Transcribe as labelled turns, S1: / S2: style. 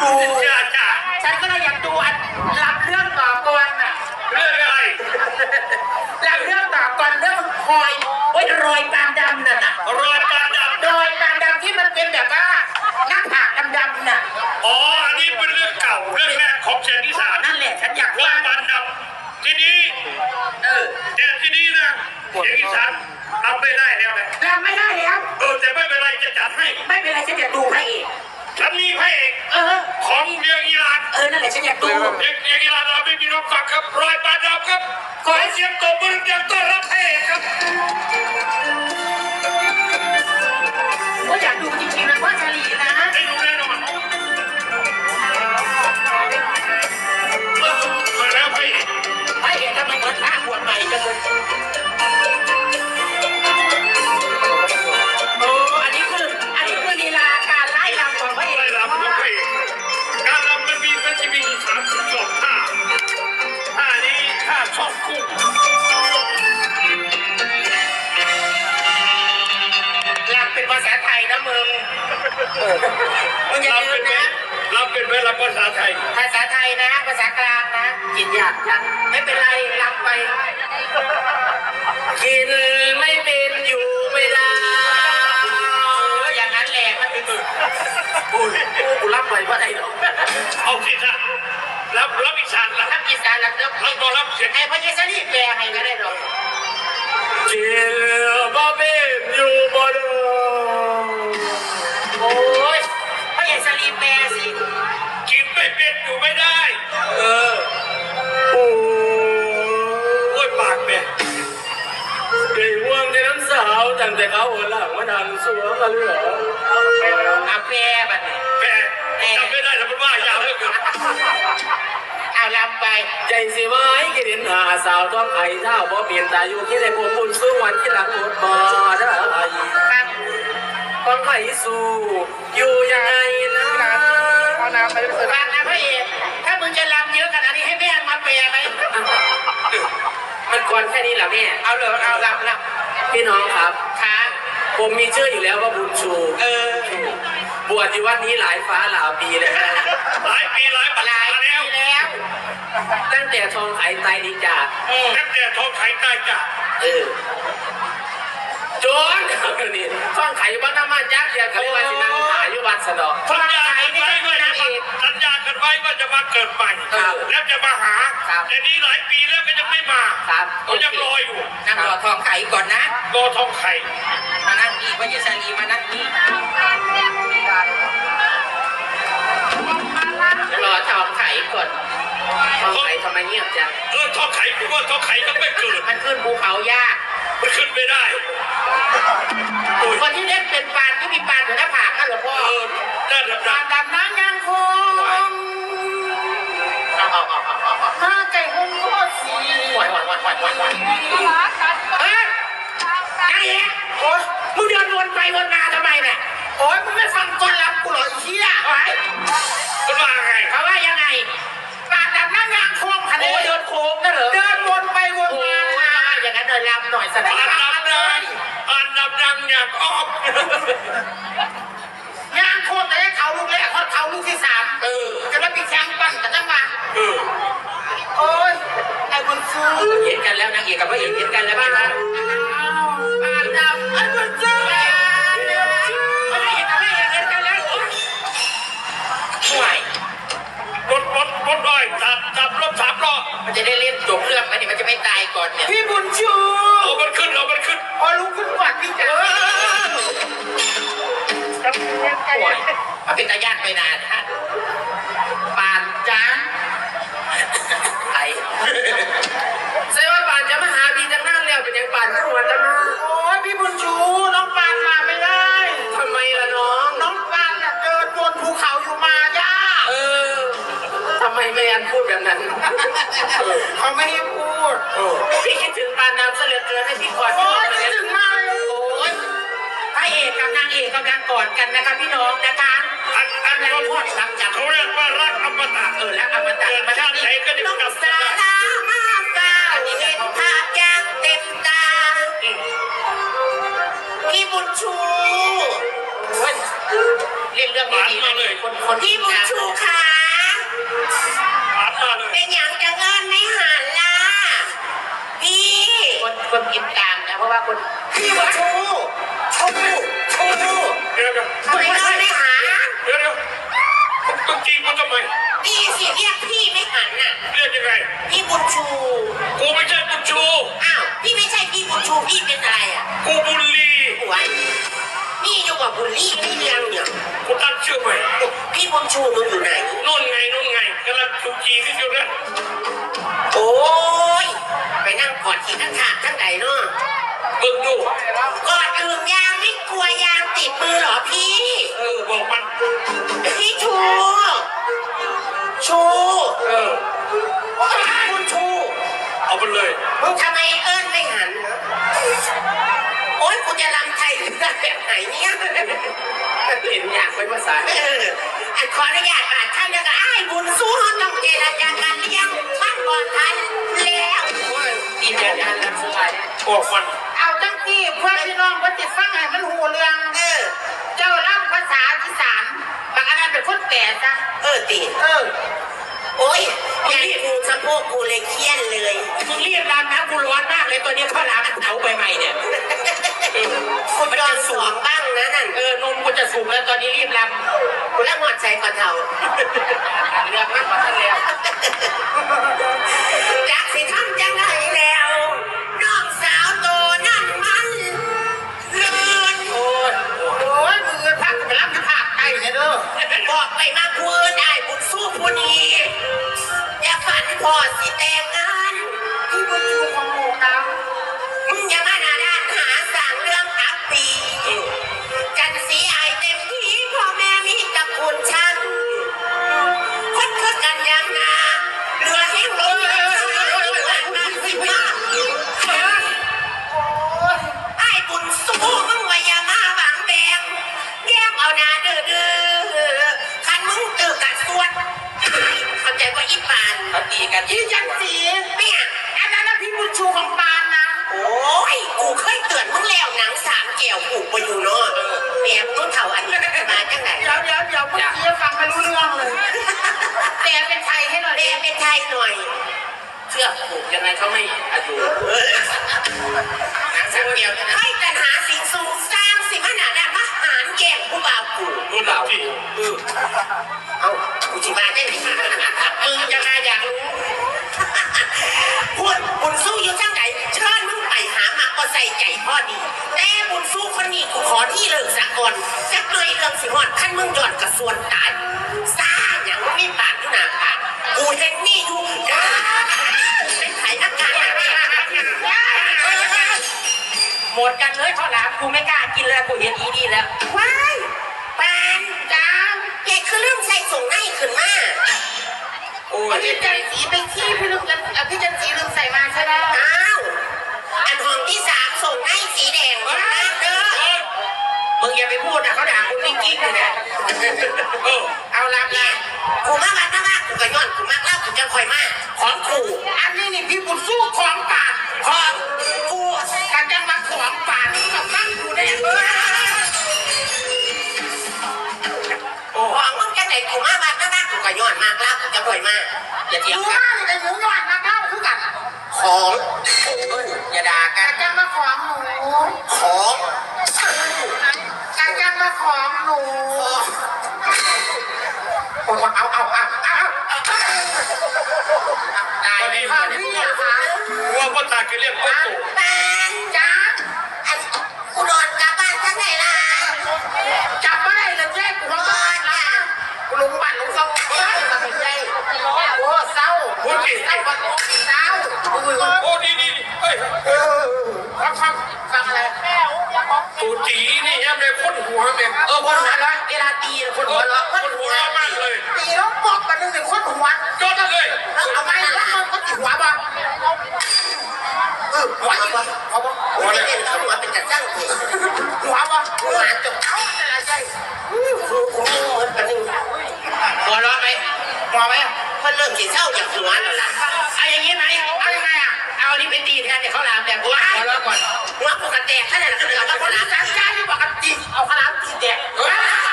S1: ดู
S2: จ้า
S1: ฉันก็เลยอยากดูรับเรื่องต่อกรน่ะ
S2: เรื่องอะไร
S1: รับเรื่องต่อกรเรื่องคอยโอ้ยรอยปานดำน่ะ
S2: รอยปานดำ
S1: รอยปานดำที่มันเป็นแบบว่าหน้าผากดำๆน่ะ
S2: อ๋ออันนี้เป็นเรื่องเก่าเรื่องแรกของเชียงอีสาน
S1: นั่นแหละฉันอยาก
S2: รอยปานดำทีนี้แต่ทีนี้นะเชียงอีสานทำไม่ได้แล้วนะ
S1: รำไม่ได้แล้ว
S2: แต่ไม่เป็นไรจะจัดให้
S1: ไม่เป็นไรฉันอยากดูพระเอก
S2: ฉันมีพระเอกของเมืองอิหร่าน
S1: นั่นแหละฉันอยากดู
S2: เมืองอิหร่านเราไม่มีรถฟังครับรอยปานดำครับขอเสียงตบมือดังต้อนรับพระเอกครับ
S1: ก็อยากดูจริงๆนะว่าชาลีนะ
S2: ได้ดูแน่นอนมาแล้วพระเอก
S1: ทำไมเหมือนพระบวชใหม่จังเลยอันนี้คือลีลาการไล่ลำของพระเอก
S2: ไล่ลำของพระเอกการลำมันจะมี32ท่านี้ท่าชอบคู่
S1: ลำเป็นภาษาไทยนะมึงอย่าลืมนะ
S2: ลำเป็นภาษาไทย
S1: ภาษาไทยนะภาษากลางนะกินยากจังไม่เป็นไรลำไปกินไม่เป็นอยู่ไม่ได้อย่างนั้นแหละมันคือกูรับไปว่าไงหรอ
S2: เอาสิค่ะรับอีสาน
S1: รับอีสานรับ
S2: เสียง
S1: ไอ้พระเยซูนี่แปลให้ก็ได้หรอก
S2: กินบ่เป็นอยู่บ่ได้
S1: โอ้ยพระเยซูนี่แปลสิ
S2: กินไม่เป็นอยู่ไม่ได้โอ้ยปากแม่เดี๋ยวว่างในน้ำสาวตั้งแต่เขาหัวหลังมาดังสัวกันเลยเหรอ
S1: อาแปรบัดนี้
S2: แปรจำไม่ได้แต่มันว่ายาวเหลือเกิน
S1: เอาลำไป
S3: ใจสิไว้กินหาสาวท้องไข่เท่าบ่เปลี่ยนตาอยู่คิดให้ผมบุญสู้วันที่หลังหมดบ่ได้ท้องไข่สู้อยู่ยังไงนะ
S1: เอาน้ำไปเลยฟังนะพระเอกถ้ามึงจะลำเยอะขนาดนี้ให้แม่มาแปรไหม
S3: มันก่อนแค่นี้เหรอแม่
S1: เอาเลยเอาลำ
S3: พี่น้องครับ
S1: ค่ะ
S3: ผมมีชื่ออยู่แล้วว่าบุญชูบวชอยู่วัดนี้หลายฟ้าหลายปีเลย
S2: หลายปีหลายปัจจัย
S1: แล้ว
S3: ตั้งแต่ทองไข่ไตดีจ่า
S2: ตั้งแต่ทองไข่ไตจ่า
S3: โจนนี่ทองไข่วัดน้ำมันยักษ์เดียวกันเลยว่าสินังหาอยู่วัดสะดอก
S2: สัญญากันไว้ว่าจะมาเกิดใหม่แล้วจะมาหาแต่นี้หลายปีแล้วก็ยังไม่มาเขายังรออยู่
S1: นั่งรอทองไข่ก่อนนะ
S2: รอทองไข่
S1: มานั่งนี่พระเยซูนีมานั่งนี่รอทองไข่ก่อนทองไข่ทำไมเงียบจัง
S2: ทองไข่กูว่าทองไข่ก็ไม่เกิด
S1: มันขึ้นภูเขายาก
S2: มันขึ้นไม่ได้
S1: คนที่เล่นเป็นปานที่มีปานอยู่หน้าผากนั่นหรอพ่อ
S2: ด้าน
S1: ดำน้ำยังคงมาไก่หุ่นโคตรสี
S2: ไหว
S1: เฮ้ยไอ้โอ้ยมึงเดินวนไปวนมาทำไมเนี่ยโอ้ยมึงไม่ฟังต้นรับกูหรอเชี่ยไอ้
S2: เขาว่าไง
S1: เขาว่ายังไงปานดำน้ำยังคงคันนี้เดินโค้งนั่นเหรอเดินวนไปวนมาอย่างนั้นเดินลำหน่อยแสดง
S2: อันดับดังอย่างอ้อม
S1: ย่างโคตรแต่เขาลูกแรกเขาลูกที่3จะมาปีแข่งปั่นกันตั้งมาโอ้ยไอ้บุญชู
S3: เห็นกันแล้วนางเอกกับพระเอกเห็นกันแล้วนะ
S1: ปานดำไอ้บุญชูพระเอกกับพระเอกเห็นกันแล้วห่วย
S2: รถอ้อยจับรถ3 ล้อ
S1: มันจะได้เล่นจบเรื่องไหมเนี่ยมันจะไม่ตายก่อนเนี่ยพี่บุญชู
S2: เอามันขึ้น
S1: ลุกขึ้นกวาดพี่จ๋าห่วยเอาเป็นตาญาติไปนานฮะปานจ้า
S3: ไอ้ใช่ว่าปานจะมาหาพี่จังนั่นแล้วเป็นยังปานขึ้นมาจังนะ
S1: โอ้ยพี่บุญชูน้องปานมาไม่ได้
S3: ทำไมล่ะน้อง
S1: ปานเดินบนภูเขาอยู่มาย่า
S3: ทำไมไม่อันพูดแบบนั้น
S1: เขาไม่ให้พูด
S3: พี่คิดถึงปานน้ำเสลือเกินให้พี่กอด
S1: พี่คิดถึงมากเลยโอ้ยพระเอกกับนางเอกกำลังกอดกันนะคะพี่น้องนะคะ
S2: อันนี้พูดหลังจากเขาเรียกว่ารักอมตะ
S1: รักอมตะ
S2: มาชาติไหนก็จะกลับ
S1: มาได้อันนี้เห็นภาพอย่างเต็มตาพี่บุญชู
S3: ล่นเรื่องดีๆมาเลยคน
S4: พี่บุญชูขา
S2: หานมาเลย
S4: เป็นอย่างจะเงินไม่หันล่ะพี่
S3: คนกินตามนะเพราะว่าคน
S4: พี่บุญชูชู
S2: เดี๋ยว
S4: ทำไมเงินไม่หัน
S2: ต้องจีบมันทำไม
S4: ดีสิเรียกพี่ไม่หันน่ะ
S2: เรียกยังไง
S4: พี่บุญชู
S2: กูไม่ใช่บุญชู
S4: อ้าวพี่ไม่ใช่พี่บุญชูพี่เป็นอะไรอ่ะ
S2: กูบุญลี
S4: หัวนี่อยู่กับบุญลี่ไม่เลี้ยงเนี่ย
S2: กูตั้งชื่อใหม่
S4: พี่บุญชูมึงอยู่ไหน
S2: นู่นไงกำลังจูจีกันอยู่นะ
S4: โอ้ยไปนั่งกอดขี่ข้างขาดข้างไหนเนาะ
S2: มึงดู
S4: กอดอื่นยางไม่กลัวยางติดมือเหรอพี่
S2: บอกมัน
S4: พี่ชู ชู คุณชู
S2: เอาไปเลย
S4: มึงทำไมเอิ้นไม่หันเหรอโอ๊ยกูจะรำไทยหรือแบบไหนเนี่ย
S3: เห็นอยากเป็นภาษา
S4: อันขออนุญาตอ่านท่านแล้วก็อ้ายบุญสู้ห้องต้องเจรจาการเลี้ยงมันก่อนทันแล้ว
S3: ดีเดียวกันแล้วสุดท้าย
S2: บอกมัน
S5: เอาตั้งที่เพื่อนพี่น้องเพื่อนติดฟังให้มันหูเรื่อง เจ้าเล่าภาษาที่สามบางอันนั้นเป็นคนแก่จ้ะ
S4: ตีโอ๊ยอยากกูสะโพกกูเลยเครียดเลย
S3: มึงเรียกรามนะกูร้อนมากเลยตัวนี้ข้าวหลามเผาใหม่ๆเนี่ย
S4: คุณโดนสวมบ้างนะนั่น
S3: นมกูจะสุกแล้วตอนนี้รีบร
S4: กูละหอดใจกว่าเท่า
S3: ำเรื่องมากกว่าท่านแล้ว
S4: จากสิทำจังไรแล้วน้องสาวโตนั่นมันเลือน
S3: โอ้ย
S5: โอ้ยมือพักไปรับจะผากไก่เนี่ยเด้อ
S4: บอกไปมาคืนได้บุญสู้ผู้นี้อย่าฝันพอสิแต่งงาน
S5: ที่บุญชูของหมูนะ
S4: มึงอย่ามาหน้าด้านหาสั่งเรื่องอับปีจันสีอายเต็มที่พ่อแม่มีตระกูลฉันคนคือกันยังนาเรือแห้งลงไอ้บุญสู้มึงว่าอย่ามาหวังแบงแยกเอาหน้าดื้อคันมึงตื่นกัดสวดเข้าใจว่าอีปาน
S3: เขาตีกัน
S5: ที่จันสี
S4: เนี่ย
S5: อันนั้นนะพี่บุญชูของปานนะ
S4: โอ้ยกูเคยเตือนมึงแล้วหนังสามแก้วกูไปอยู่เนาะแม่มึงเท่าอันนี้มาจังไหน
S5: เดี๋ยวเมื่อกี้ฟังไม่รู้เรื่องเลยแต่เป็นไทยให้หน่อย
S4: เรียนเป็นไทยหน่อย
S3: เชื่อผูกยังไงเขาไม่อายุหนังสังเกียวนะ
S4: ให้กันหาสิ่งสูงสร้างสิมนาดามาหารแย่งผู้บ่าวกู
S2: มึงเล่าที่
S4: เอากูจิมาได้ไหม
S3: มึงยังไงอยากรู้
S4: พูดบุญสู้อยู่จังไหนเชิญมึงไปหามาก็ใส่ใจพ่อดีแต่บุญสู้คนนี้กูขอที่เลิกสักก่อนจักหน่อยเรื่องสิหอดขั้นมึงหย่อนกระส่วนตายสร้างอย่างไม่ปากที่หนาปากกูเห็นนี่อยู่เป็นไผ่อากาศ
S3: หมดกันเลยข้าวหลามกูไม่กล้ากินแล้วกูเห็นอีนี่แล้ว
S4: ว้ายปานจ้าแกคือเริ่มใส่ส่งให้ขึ้นมา
S3: โอ้ย
S5: พี่จันสีไปขี้พี่ลืมกันพี่จันสีลืมใส่มาใช่ไหม
S4: อ้าวอันห้องที่สามส่งให้สีแดงนะเด้อ
S3: มึงอย่าไปพูดนะเขาด่ากูนี่กิ๊กเลยเนี่ย
S4: เอาลำละกูมาบ้านมากกูก็ย้อนกูมากเล่ากูจะคอยมาของกู
S5: อันนี้นี่พี่บุญสู้ของปาน
S4: ของกู
S5: การจังมาของปานกับฟังกูได้เออ
S4: ของมึงจะไหนกูมาบ้านมากกูก็ย้อนมากเล่ากูจะคอยมาอย่าเถียง
S5: หมู
S4: กัน
S5: บ้านไอ้หมูหยอดมาเข้าคือกัน
S4: ของอย่าด่ากั
S5: กาน รจังมาของหนู
S4: ของ
S5: การจังมาของหนู
S4: ตายไป
S5: พ่อพี่อะคะ
S2: ว่าพ่อตาแกเรียกพ่อตู่
S4: ปาน
S5: จ้า
S4: อันกูนอนกลับบ้านจังไหนล่ะ
S5: จับไม่ได้เลยแจ้งกูว่าบ้านนะกูลุงบ้านลุงซ่องเฮ้ยมาเป็นไงโอ้เศร้าเศร้าเศร้า
S2: โอ้ดีเฮ้ย
S5: ฟังอะไร
S2: ตู่จีนี่ยังเลยพ่นหัวแม่ง
S3: คนหัวเราะเวลาตีคนหัวเราะ
S2: พ่นหัวมากเลย
S5: ตีแล้วบอกกันหนึ่งคนหัว
S2: จดเลย
S5: เอาไปแล้วมันก็ติดหัวบ้าง
S4: หัวอยู่เขาบอกหัวเล่นเขาหัวเป็นกระจังเลย
S5: หัวบ้าง
S4: หัวจบ
S5: เอาอะไรใช่
S4: กูมีเหมือนกันนึง
S3: หัวเราะไหม
S5: หัวไหม
S4: มันเริ่มสีเศร้าจากหัวแล้วล่ะ
S3: เอาอย่างนี้ไหม
S5: เอายังไงอ่ะ
S3: เอานี่ไปตีแทนเนี่ยข้าวหลามแบบหัวเราะก่อน
S4: หัวกูกระแตกขนาดนั้นเลย
S5: เอา
S4: ว่า
S5: คน
S4: หลา
S5: ที่
S4: น
S5: การที่บอกกันจริงเอาขนาดตีแตก